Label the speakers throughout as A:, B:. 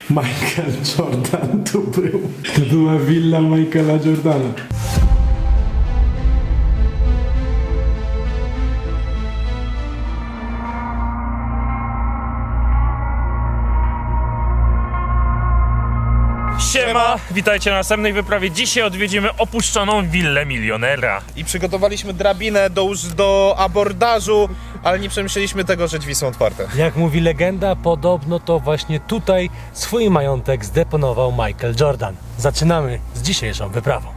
A: Michael Jordan tu był. To była willa Michaela Jordana.
B: Siema, witajcie na następnej wyprawie. Dzisiaj odwiedzimy opuszczoną willę milionera.
C: I przygotowaliśmy drabinę do abordażu, ale nie przemyśleliśmy tego, że drzwi są otwarte.
A: Jak mówi legenda, podobno to właśnie tutaj swój majątek zdeponował Michael Jordan. Zaczynamy z dzisiejszą wyprawą.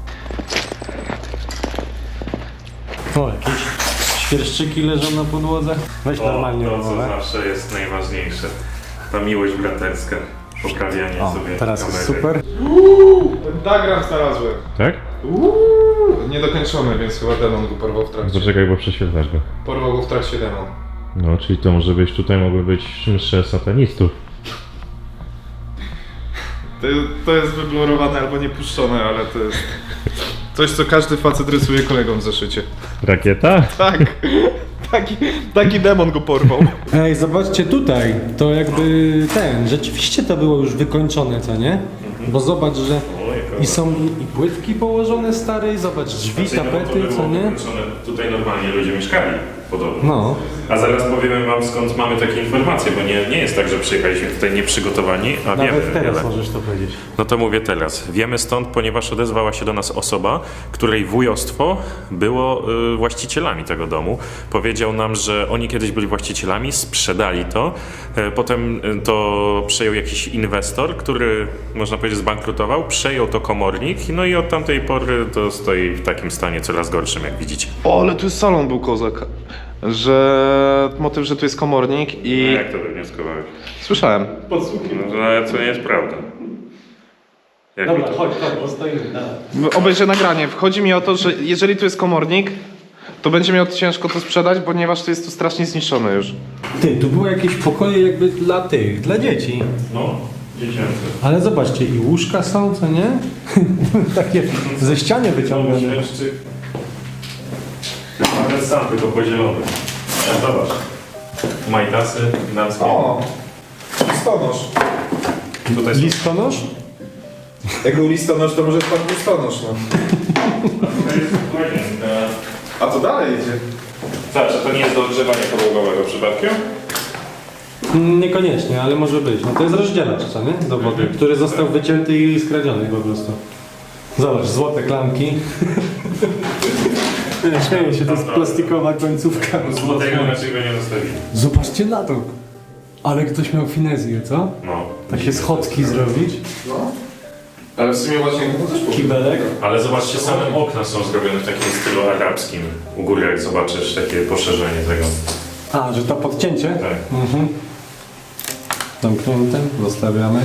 A: O, jakieś świerszczyki leżą na podłodze. Weź normalnie
B: to co
A: rozmowę.
B: zawsze jest najważniejsze. Ta miłość braterska. Poprawianie
A: O,
B: sobie
A: teraz
B: kamery.
A: jest super.
C: Diagram znalazłem.
D: Tak?
C: Niedokończony, więc chyba demon go porwał w trakcie.
D: Poczekaj, bo prześwietlasz go.
C: Porwał go w trakcie demon.
D: No, czyli to może być, tutaj mogły być msze satanistów.
C: To jest wyblurowane albo niepuszczone, ale to jest coś, co każdy facet rysuje kolegom w zeszycie.
D: Rakieta?
C: Tak. Taki demon go porwał.
A: Ej, zobaczcie tutaj, to jakby rzeczywiście to było już wykończone, co nie? Bo zobacz, że i są i płytki położone stare, i zobacz drzwi,
B: Znaczy, no, to
A: tapety,
B: było
A: co nie?
B: wykończone. Tutaj normalnie ludzie mieszkali podobno.
A: No.
B: A zaraz powiemy wam, skąd mamy takie informacje, bo nie jest tak, że przyjechaliśmy tutaj nieprzygotowani, a wiemy
A: Nawet teraz
B: wiele.
A: możesz to powiedzieć.
B: No to mówię teraz. Wiemy stąd, ponieważ odezwała się do nas osoba, której wujostwo było właścicielami tego domu. Powiedział nam, że oni kiedyś byli właścicielami, sprzedali to. Potem to przejął jakiś inwestor, który, można powiedzieć, zbankrutował. Przejął to komornik, no i od tamtej pory to stoi w takim stanie coraz gorszym, jak widzicie.
C: O, ale tu jest salon był kozak. Motyw, że tu jest komornik i...
B: Jak to wywnioskowałeś?
C: Słyszałem.
B: No, ale to nie jest prawda. Jak mi to...
A: chodź, bo stoimy.
C: Obejrzę nagranie. Wchodzi mi o to, że jeżeli tu jest komornik, to będzie miał ciężko to sprzedać, ponieważ to jest tu strasznie zniszczone już.
A: Ty, tu były jakieś pokoje jakby dla dzieci.
B: No, dziecięce.
A: Ale zobaczcie, i łóżka są, co nie? Takie ze ściany wyciągane.
B: Świerszczyk. Chyba ten sam, tylko podzielony. Ja, zobacz. Majtasy damskie.
C: O! Listonosz.
B: Tutaj są...
A: Listonosz?
C: Jak był listonosz, to może pan listonosz, no.
B: To jest łazienka.
C: A to dalej idzie.
B: Zawsze to nie jest do ogrzewania podłogowego przypadkiem?
A: Niekoniecznie, ale może być. No to jest rozdzielacz, co nie? Do wody, który został wycięty i skradziony po prostu. Zobacz, złote klamki. Nie, śmieję się, to jest plastikowa końcówka.
B: Złotego raczej go nie zostawili.
A: Zobaczcie na to. Ale ktoś miał finezję, co?
B: No.
A: Takie schodki zrobić.
C: Ale w sumie łazienka to też
A: Kibelek.
B: Ale zobaczcie, same okna są zrobione w takim stylu arabskim. U góry jak zobaczysz takie poszerzenie tego.
A: A, że to podcięcie?
B: Tak.
A: Mhm. Zamknięte, zostawiamy.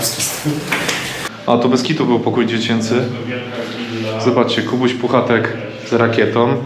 C: A to bez kitu był pokój dziecięcy. Zobaczcie, Kubuś Puchatek z rakietą.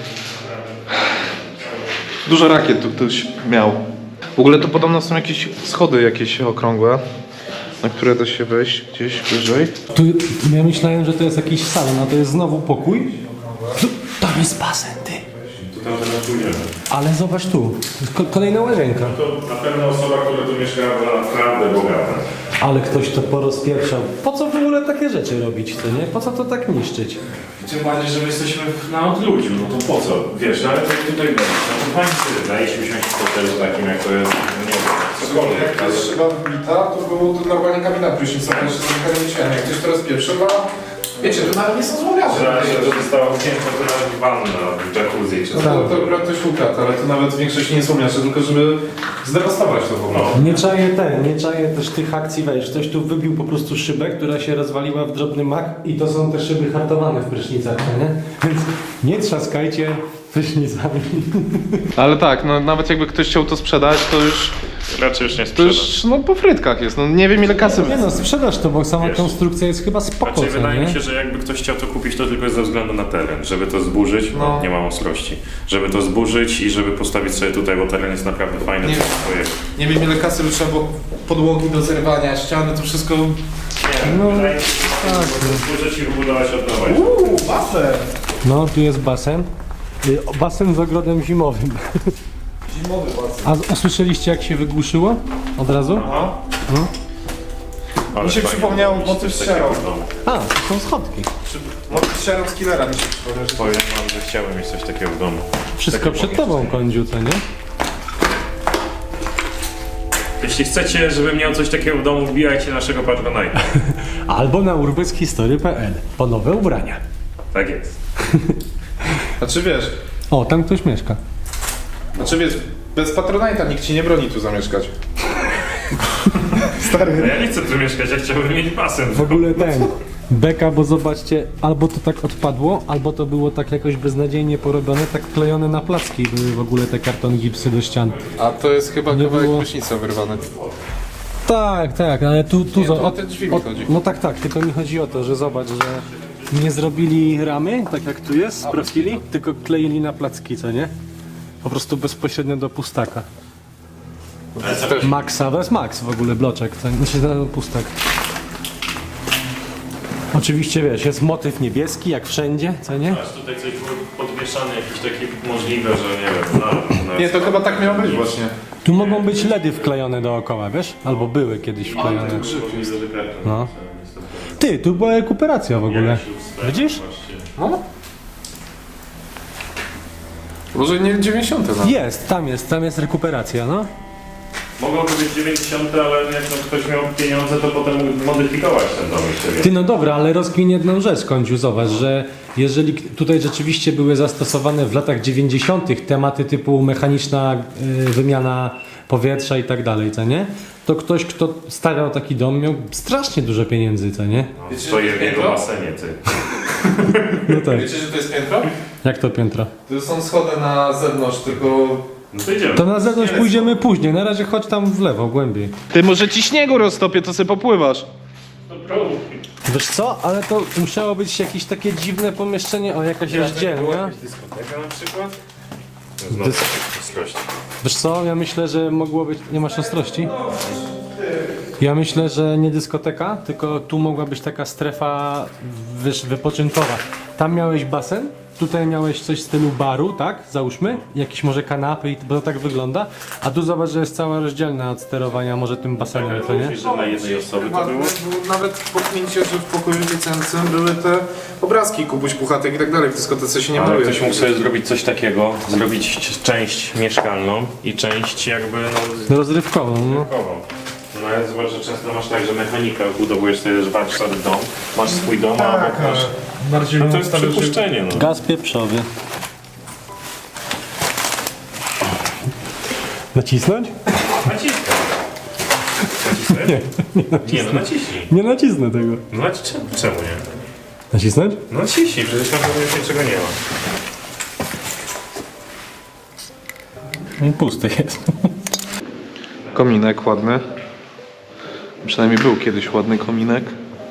C: Dużo rakiet tu ktoś miał. W ogóle to podobno są jakieś schody jakieś okrągłe, na które da się wejść gdzieś wyżej.
A: Tu ja myślałem, że to jest jakiś salon, a to jest znowu pokój. Tam jest basen, ty.
B: Tu tam teraz pójdziemy.
A: Ale zobacz tu, kolejna łazienka.
B: To na pewno osoba, która tu mieszkała, była naprawdę bogata.
A: Ale ktoś to porozpieprzał. Po co w ogóle takie rzeczy robić, to nie? Po co to tak niszczyć?
B: Tym bardziej, że my jesteśmy na odludziu, no to po co? Wiesz, no ale to tutaj będzie. No to pani sobie daje się usiąść w hotelu takim, jak to jest, no nie wiem, cokolwiek.
C: Jak to jest szyba wbita, to było to normalnie kabina prysznicowa, jeszcze trochę nie myślałem. Jak ktoś teraz pierwszy ma... Wiecie, to nawet nie są złomiarze.
B: Że została wzięta to nawet wanna w jacuzzi czy
C: No
B: co.
C: to akurat ktoś ukradł, ale to nawet większość nie są miasto, tylko żeby zdewastować to w ogóle.
A: Nie czaję też tych akcji, weź, ktoś tu wybił po prostu szybę, która się rozwaliła w drobny mak i to są te szyby hartowane w prysznicach, nie? Więc nie trzaskajcie prysznicami.
C: Ale tak, no nawet jakby ktoś chciał to sprzedać, to już...
B: Raczej już nie
C: To
B: sprzedać.
C: już no po frytkach jest, no nie wiem ile kasy...
A: Nie no, sprzedaż to, bo sama
B: Wiesz,
A: konstrukcja jest chyba spoko,
B: Raczej
A: co,
B: wydaje mi
A: nie?
B: się, że jakby ktoś chciał to kupić, to tylko jest ze względu na teren. Żeby to zburzyć,
C: No.
B: nie ma ostrości. Żeby to zburzyć i żeby postawić sobie tutaj, bo teren jest naprawdę fajny.
C: Nie.
B: to jest projekt.
C: Nie wiem ile kasy by trzeba było podłogi do zerwania, ściany, to wszystko...
B: No, wydaje mi się, że można to zburzyć i wybudować od nowa.
C: basen!
A: No, tu jest basen. Basen z ogrodem zimowym.
C: Zimowy basen.
A: A usłyszeliście jak się wygłuszyło? Od razu?
C: Aha.
B: Ale
C: Mi się
B: fajnie
C: przypomniało
B: mieć
C: motyw
B: coś takiego
C: Sharon.
B: w domu.
A: A, to są schodki.
C: Motyw Sharon z Killera mi się przypomniał.
B: Powiem wam, że chciałem mieć coś takiego w domu.
A: Wszystko
B: Takie
A: przed tobą,
B: pomieszczenie.
A: kądziu, co nie?
B: Jeśli chcecie, żebym miał coś takiego w domu, wbijajcie naszego Patronite'a.
A: Albo na urbexhistory.pl po nowe ubrania.
B: Tak jest.
C: Znaczy wiesz,
A: O, tam ktoś mieszka.
C: bez Patronite'a nikt ci nie broni tu zamieszkać. Stary.
B: No ja nie chcę tu mieszkać, ja chciałbym mieć basen.
A: W ogóle ten. Beka, bo zobaczcie, albo to tak odpadło, albo to było tak jakoś beznadziejnie porobione, tak klejone na placki były w ogóle te karton gipsy do ścian.
C: A to jest chyba
A: Nie
C: kawałek
A: było.
C: prysznica wyrwany.
A: Tak, tak, ale tu
C: Nie, to
A: za-
C: o te drzwi mi chodzi.
A: No tak, tak, tylko mi chodzi o to, że zobacz, że nie zrobili ramy, tak jak tu jest, z profili, tylko kleili na placki, co nie? Po prostu bezpośrednio do pustaka. Maxa, to jest Max w ogóle, bloczek, co nie? Znaczy, pustak. Oczywiście wiesz, jest motyw niebieski, jak wszędzie, co nie?
B: Aż tutaj coś było podwieszane, jakieś takie możliwe, że nie wiem,
C: Nie, to chyba tak miało być właśnie.
A: Tu mogą być LEDy wklejone dookoła, wiesz? Albo były kiedyś wklejone. No. Ty, tu była rekuperacja w ogóle. Widzisz? No.
C: Może nie 90 no.
A: Tam jest rekuperacja, no.
B: Mogłoby być 90, ale jak tam ktoś miał pieniądze, to potem mógł modyfikować ten dom jeszcze.
A: Ty, no dobra, ale rozkmin jedną rzecz, Kądziu, zobacz, że jeżeli tutaj rzeczywiście były zastosowane w latach 90. tematy typu mechaniczna wymiana powietrza i tak dalej, co nie? To ktoś, kto stawiał taki dom, miał strasznie dużo pieniędzy, co nie?
B: Stoję w jego basenie, ty.
A: No tak.
C: Wiecie, że to jest piętro?
A: Jak to piętro?
C: To są schody na zewnątrz, tylko...
B: No to idziemy.
A: To na zewnątrz pójdziemy później, na razie chodź tam w lewo, głębiej.
C: Ty, może ci śniegu roztopię, to sobie popływasz.
A: Wiesz co, ale to musiało być jakieś takie dziwne pomieszczenie, o jakaś rozdzielnia.
B: Dyskoteka na przykład? Ostrość.
A: Wiesz co, ja myślę, że mogło być... Nie masz ostrości? Ja myślę, że nie dyskoteka, tylko tu mogła być taka strefa wypoczynkowa. Tam miałeś basen, tutaj miałeś coś w stylu baru, tak? Załóżmy, jakieś może kanapy, bo to tak wygląda. A tu zobacz, że jest cała rozdzielna od sterowania może tym basenem, co nie?
B: Myślisz, że dla jednej osoby to było?
C: Nawet w poknięcie, że w pokoju licencjum były te obrazki Kubuś Puchatek i tak dalej. W dyskotece się nie
B: Ale
C: maluje.
B: ktoś mógł sobie zrobić coś takiego, zrobić część mieszkalną i część jakby no
A: Rozrywkową, no.
B: zbiórkową. No ale zobacz, że często masz tak, że mechanika budowujesz sobie warsztat dom, masz swój dom, a obok masz...
A: Bardziej
B: No to jest przypuszczenie, no.
A: Gaz pieprzowy. Nacisnąć?
B: Naciskaj. Nacisnąć? Nie, no naciśnij.
A: Nie nacisnę tego.
B: No czemu nie?
A: Nacisnąć?
B: No naciśnij, przecież tam już niczego nie ma.
A: Pusty jest.
C: Kominek ładny. Przynajmniej był kiedyś ładny kominek.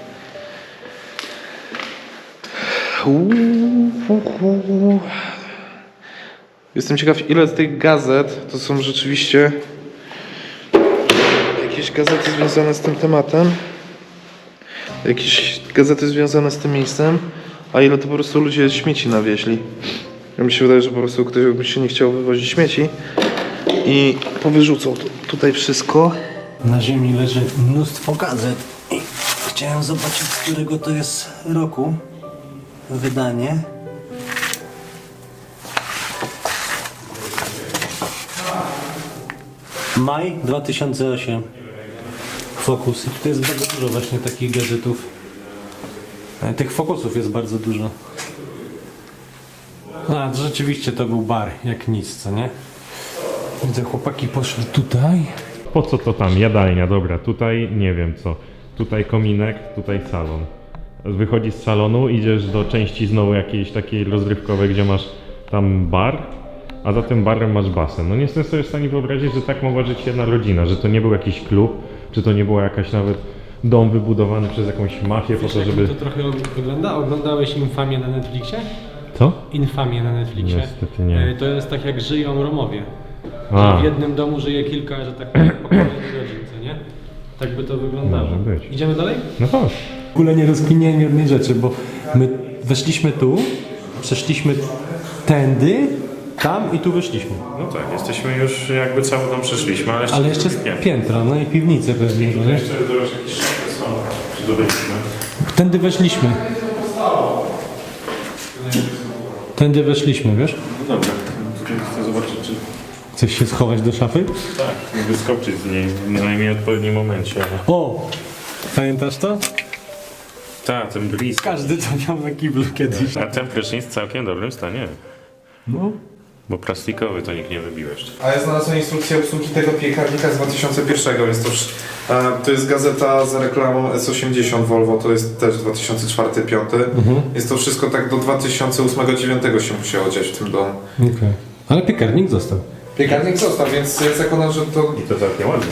C: Jestem ciekaw, ile z tych gazet to są rzeczywiście jakieś gazety związane z tym tematem, jakieś gazety związane z tym miejscem, a ile to po prostu ludzie śmieci nawieźli. Ja mi się wydaje, że po prostu ktoś by się nie chciał wywozić śmieci i powyrzucał tutaj wszystko.
A: Na ziemi leży mnóstwo gazet i chciałem zobaczyć, z którego to jest roku wydanie. Maj 2008. Focus. I tutaj jest bardzo dużo właśnie takich gadżetów. Tych Focusów jest bardzo dużo. A, to rzeczywiście to był bar, jak nic, co nie? Widzę, chłopaki poszli tutaj.
D: Po co to tam? Jadalnia, dobra, tutaj nie wiem co. Tutaj kominek, tutaj salon. Wychodzisz z salonu, idziesz do części znowu jakiejś takiej rozrywkowej, gdzie masz tam bar, a za tym barem masz basen. No nie jestem sobie w stanie wyobrazić, że tak mogła żyć jedna rodzina, że to nie był jakiś klub, czy to nie była jakaś nawet dom wybudowany przez jakąś mafię po to, żeby...
A: To trochę wygląda? Oglądałeś Infamię na Netflixie?
D: Co?
A: Infamię na Netflixie.
D: Niestety nie.
A: To jest tak jak żyją Romowie.
D: A.
A: Że w jednym domu żyje kilka, że tak powiem, pokoleń rodzin, co nie? Tak by to wyglądało.
D: Może być.
A: Idziemy dalej?
D: No chodź.
A: W ogóle nie rozkminiałem jednej rzeczy, bo my weszliśmy tu, przeszliśmy tędy, tam i tu wyszliśmy.
B: No tak, jesteśmy już jakby cały dom przeszliśmy, ale jeszcze
A: Ale jeszcze jest
B: nie.
A: piętro, no i piwnice pewnie, nie?
B: Jeszcze jakieś szafy strony. Czy to byliśmy?
A: Tędy weszliśmy. Tędy weszliśmy, wiesz?
B: No dobra, tutaj chcę zobaczyć, czy
A: Chcesz się schować do szafy?
B: tak, wyskoczyć z niej w najmniej odpowiednim momencie. Ale...
A: O! Pamiętasz to?
B: Tak, ten blisk.
A: Każdy to miał na kiblu kiedyś.
B: A ten prysznic w całkiem dobrym stanie.
A: No.
B: Bo plastikowy to nikt nie wybił jeszcze.
C: A ja znalazłem instrukcję obsługi tego piekarnika z 2001, więc to jest gazeta za reklamą S80 Volvo, to jest też 2004-2005. Jest to wszystko tak do 2008-2009 się musiało dziać w tym domu.
A: Okej. Ale piekarnik został.
C: Piekarnik został, więc ja zakładam, że to
B: I to całkiem ładnie.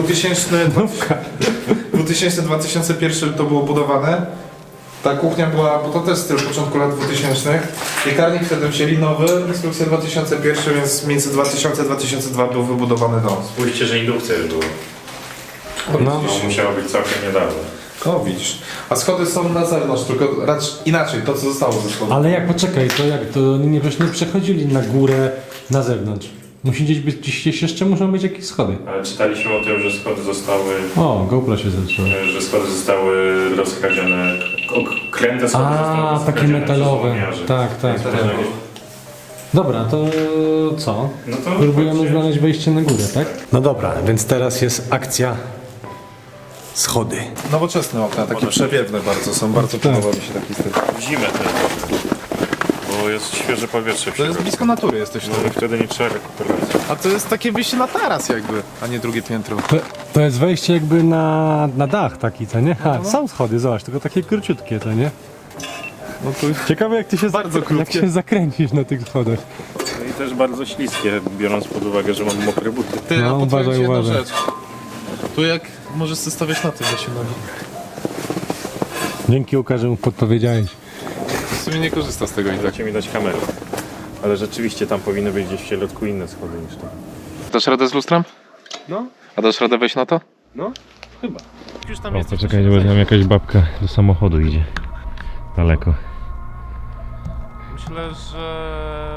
C: 2000-2001 to było budowane. Ta kuchnia była, bo to też styl początku lat 2000. Piekarnik wtedy wzięli nowy, instrukcja 2001, więc między 2000 a 2002 był wybudowany dom.
B: Spójrzcie, że indukcja już była.
A: No.
B: To musiało być całkiem niedawno.
C: O, widzisz. A schody są na zewnątrz, tylko raczej inaczej, to co zostało ze schodów.
A: Ale jak, poczekaj, to jak, to nie przechodzili na górę, na zewnątrz. Musi gdzieś jeszcze muszą być jakieś schody.
B: Ale czytaliśmy o tym, że schody zostały,
A: O, GoPro się zatrzyma.
B: że schody zostały rozkradzione, kręte schody zostały
A: A, takie
B: rozkradzione
A: metalowe.
B: przez złomiarzy.
A: Tak, tak.
B: Więc można jakieś-
A: Dobra, to co?
B: No to
A: Próbujemy
B: chodźcie.
A: znaleźć wejście na górę, tak? No dobra, więc teraz jest akcja schody.
C: Nowoczesne okna, takie przewiewne bardzo są, bardzo podoba mi się taki styl.
B: W zimę to jest dobre, bo jest świeże powietrze w
C: To jest
B: środku.
C: blisko natury jesteś
B: No
C: tu.
B: i wtedy nie trzeba rekuperacji.
C: A to jest takie wyjście na taras jakby, a nie drugie piętro.
A: To jest wejście jakby na dach taki, co nie? Są schody, zobacz, tylko takie króciutkie, co nie?
C: No to
A: Ciekawe jak ty się,
C: Bardzo
A: jak
C: krótkie.
A: się zakręcisz na tych schodach.
B: No i też bardzo śliskie, biorąc pod uwagę, że mam mokre buty.
C: Ty,
A: No,
C: a podpowiem
A: uważaj,
C: ci jedną
A: uważaj.
C: rzecz. Tu jak możesz sobie stawiać na tym zasięgnąć.
A: Dzięki Łukasz, że mu podpowiedziałeś.
C: W sumie nie korzysta z tego i tak.
B: Chcecie mi dać kamerę. Ale rzeczywiście tam powinny być gdzieś w środku inne schody niż to.
C: Dasz radę z lustrem?
A: No,
C: A dasz radę wejść na to?
A: no, chyba.
C: Już tam
D: O, poczekaj, bo tam jakaś babka do samochodu idzie. Daleko.
E: Myślę, że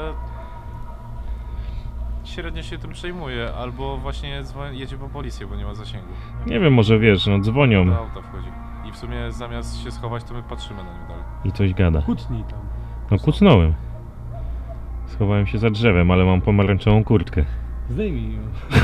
E: średnio się tym przejmuje, albo właśnie jedzie po policję, bo nie ma zasięgu.
D: Nie wiem, może wiesz, no dzwonią
E: Do auta wchodzi. I w sumie zamiast się schować, to my patrzymy na nią dalej.
D: i coś gada.
A: Kłótnij tam.
D: No kucnąłem. Schowałem się za drzewem, ale mam pomarańczową kurtkę.
A: Zdejmij ją.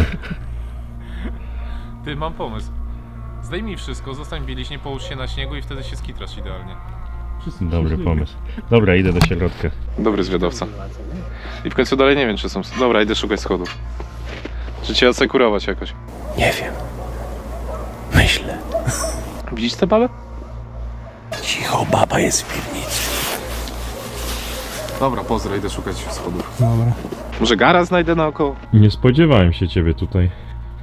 E: Ty, mam pomysł. Zdejmij wszystko, zostań bieliśnie, połóż się na śniegu i wtedy się skitrasz idealnie.
D: Dobry pomysł. Dobra, idę do środka.
C: Dobry zwiadowca. I w końcu dalej nie wiem, czy są... Dobra, idę szukać schodów. Czy cię asekurować jakoś?
A: Nie wiem. Myślę.
C: Widzisz tę babę?
A: Cicho, baba jest w piwnicy.
C: Dobra, pozdro, idę szukać schodów.
A: Dobra.
C: Może gara znajdę naokoło?
D: Nie spodziewałem się ciebie tutaj.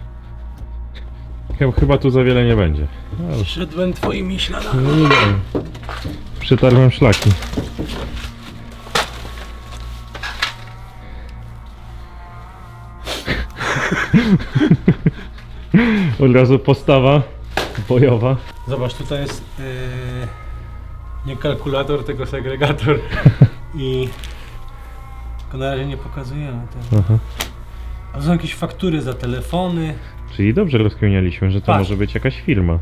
D: Chyba tu za wiele nie będzie.
A: Szedłem twoimi śladami.
D: No nie wiem. Przetarłem szlaki. Od razu postawa bojowa.
A: Zobacz, tutaj jest nie kalkulator, tylko segregator. I tylko na razie nie pokazujemy tego.
D: Aha.
A: A są jakieś faktury za telefony.
D: Czyli dobrze rozkminialiśmy, że to
A: Tak.
D: może być jakaś firma.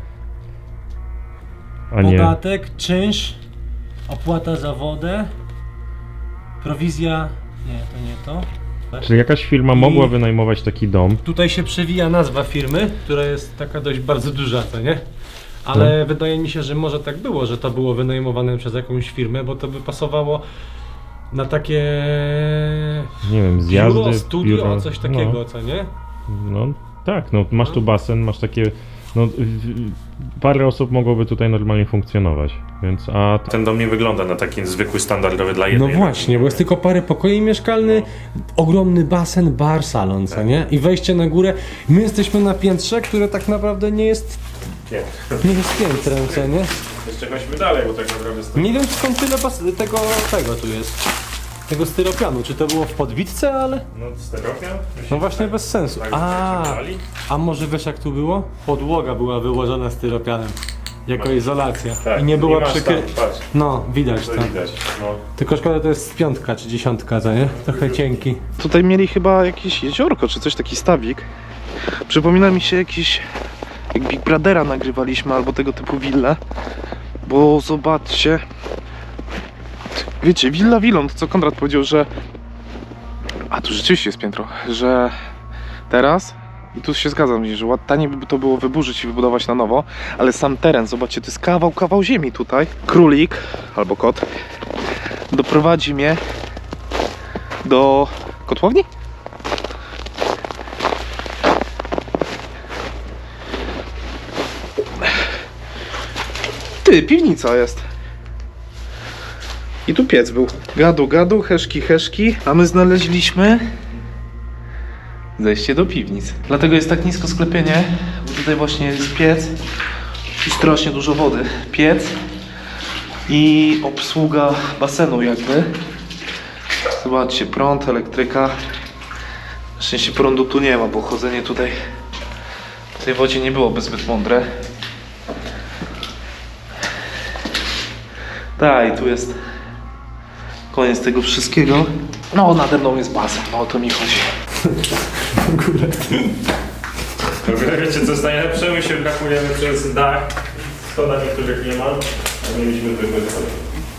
D: A nie.
A: Podatek, czynsz, opłata za wodę, prowizja. Nie, to nie to. Tak.
D: Czyli jakaś firma mogła wynajmować taki dom.
A: Tutaj się przewija nazwa firmy, która jest taka dość bardzo duża, co nie? Ale wydaje mi się, że może tak było, że to było wynajmowane przez jakąś firmę, bo to by pasowało na takie
D: Nie wiem, zjazdy.
A: biuro, studio,
D: biuro.
A: coś takiego, co nie?
D: No tak, no masz tu basen, masz takie. No, parę osób mogłoby tutaj normalnie funkcjonować, więc a
B: Ten dom nie wygląda na taki zwykły, standardowy dla
A: No
B: jednej
A: właśnie, bo jest tylko parę pokoi mieszkalnych, ogromny basen, bar, salon, co nie? I wejście na górę. My jesteśmy na piętrze, które tak naprawdę nie jest piętrem, co nie?
B: Jeszcze chodźmy dalej, bo tak naprawdę stoi.
A: Nie wiem skąd tyle tego tu jest. Tego styropianu. Czy to było w podbitce, ale...
B: No steropian?
A: No właśnie bez sensu.
B: Tak,
A: A może wiesz jak tu było? Podłoga była wyłożona styropianem. Jako izolacja.
B: Tak,
A: I nie była
B: masz
A: przykryta.
B: tam, patrz,
A: No, widać
B: to
A: to.
B: widać. No.
A: Tylko szkoda, to jest 5 czy 10, co nie? Trochę cienki.
C: Tutaj mieli chyba jakieś jeziorko, czy coś, taki stawik. Przypomina mi się jak Big Brothera nagrywaliśmy, albo tego typu willę. Bo zobaczcie, wiecie, willa willą, to co Konrad powiedział, że... A tu rzeczywiście jest piętro, że teraz... I tu się zgadzam, że taniej by to było wyburzyć i wybudować na nowo, ale sam teren, zobaczcie, to jest kawał ziemi tutaj. Królik, albo kot, doprowadzi mnie do kotłowni? Ty, piwnica jest. I tu piec był. Gadu, heszki, a my znaleźliśmy zejście do piwnic. Dlatego jest tak nisko sklepienie, bo tutaj właśnie jest piec i strasznie dużo wody. Piec i obsługa basenu jakby. Zobaczcie, prąd, elektryka. Na szczęście prądu tu nie ma, bo chodzenie tutaj w tej wodzie nie byłoby zbyt mądre. Tak, i tu jest koniec tego wszystkiego. No, nade mną jest basen, no o to mi chodzi.
D: W ogóle wiecie co jest najlepsze? My się brakujemy przez dach. Schodach niektórych nie ma, a mieliśmy tylko schody.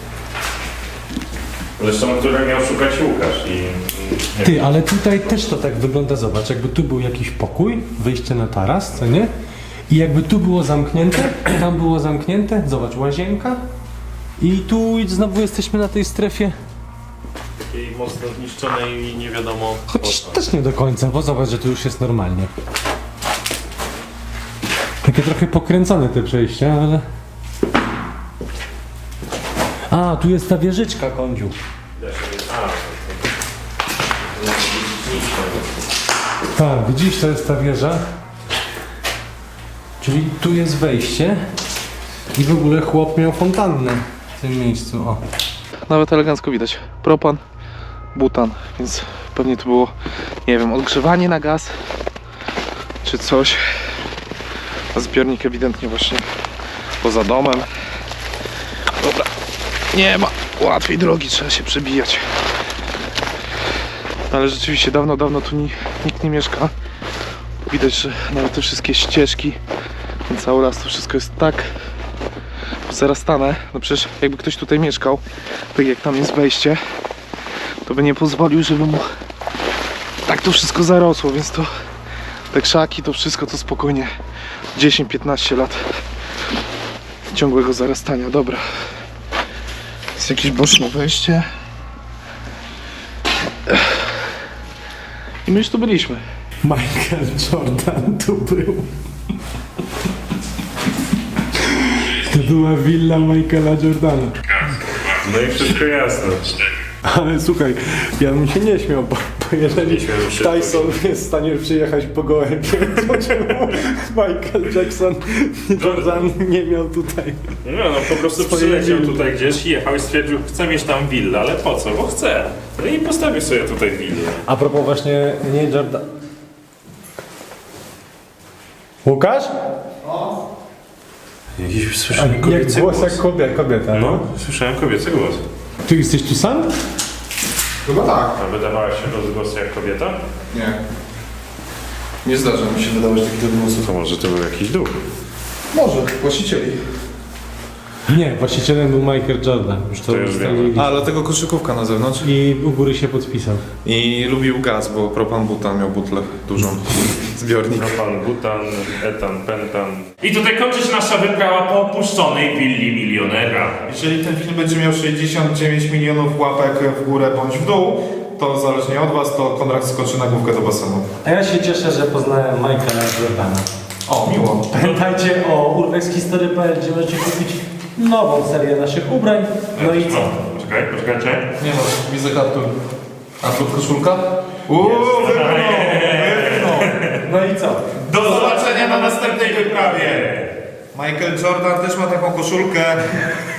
D: Zresztą, które miał szukać Łukasz i...
A: Ty, ale tutaj też to tak wygląda, zobacz, jakby tu był jakiś pokój, wyjście na taras, co nie? I jakby tu było zamknięte, tam było zamknięte, zobacz, łazienka. I tu znowu jesteśmy na tej strefie.
D: Takiej mocno zniszczonej i nie wiadomo...
A: Chociaż też nie do końca, bo zobacz, że tu już jest normalnie. Takie trochę pokręcone te przejścia, ale... A, tu jest ta wieżyczka, Kądziu. Tak, widzisz, to jest ta wieża. Czyli tu jest wejście. I w ogóle chłop miał fontannę w tym miejscu, o.
C: Nawet elegancko widać. Propan, butan, więc pewnie to było, nie wiem, odgrzewanie na gaz czy coś. A zbiornik ewidentnie właśnie poza domem. Dobra, nie ma łatwej drogi, trzeba się przebijać. Ale rzeczywiście dawno tu nikt nie mieszka. Widać, że nawet te wszystkie ścieżki, ten cały las, to wszystko jest tak zarastane. No przecież jakby ktoś tutaj mieszkał, tak jak tam jest wejście, to by nie pozwolił, żeby mu tak to wszystko zarosło, więc to te krzaki, to wszystko to spokojnie 10-15 lat ciągłego zarastania. Dobra, jest jakieś boczne wejście i my już tu byliśmy.
A: Michael Jordan tu był. To była willa Michaela Jordana.
D: No i wszystko jasne.
A: Ale słuchaj, ja bym się nie śmiał, bo jeżeli Tyson jest w stanie przyjechać po gołębie, to czemu Michael Jackson, Jordan nie miał tutaj?
D: No, po prostu przyleciał tutaj gdzieś, jechał i stwierdził, chcę mieć tam willę, ale po co? Bo chcę. No i postawił sobie tutaj willę.
A: A propos właśnie, nie Jordan... Łukasz?
B: Jakiś słyszałem
A: Jak
B: kobiecy
A: głos
B: głos.
A: jak kobieta,
B: No, słyszałem kobiecy głos.
A: Ty jesteś tu sam?
C: Chyba tak.
D: A wydawała się rozgłos jak kobieta?
C: Nie. Nie zdarza mi się wydawać takich odgłosów.
B: To może to był jakiś duch.
C: Może, właścicieli.
A: Nie, właścicielem był Michael Jordan. Już to
B: To już
A: ustalili.
C: A, dlatego koszykówka na zewnątrz.
A: I u góry się podpisał.
C: I lubił gaz, bo propan butan miał butlę dużą. Zbiornik.
D: Propan, butan, etan, pentan. I tutaj kończy się nasza wyprawa po opuszczonej willi milionera.
C: Jeżeli ten film będzie miał 69 milionów łapek w górę bądź w dół, to zależnie od was, to Konrad skoczy na główkę do basenu.
A: A ja się cieszę, że poznałem Michaela Jordana.
C: O, miło.
A: Pamiętajcie o urbexhistory.pl, gdzie możecie kupić nową serię naszych ubrań. No i co?
D: Poczekajcie.
C: Nie no, widzę kaptur. A tu koszulka? Wypnął.
A: No i co?
C: Do zobaczenia na następnej wyprawie. Michael Jordan też ma taką koszulkę.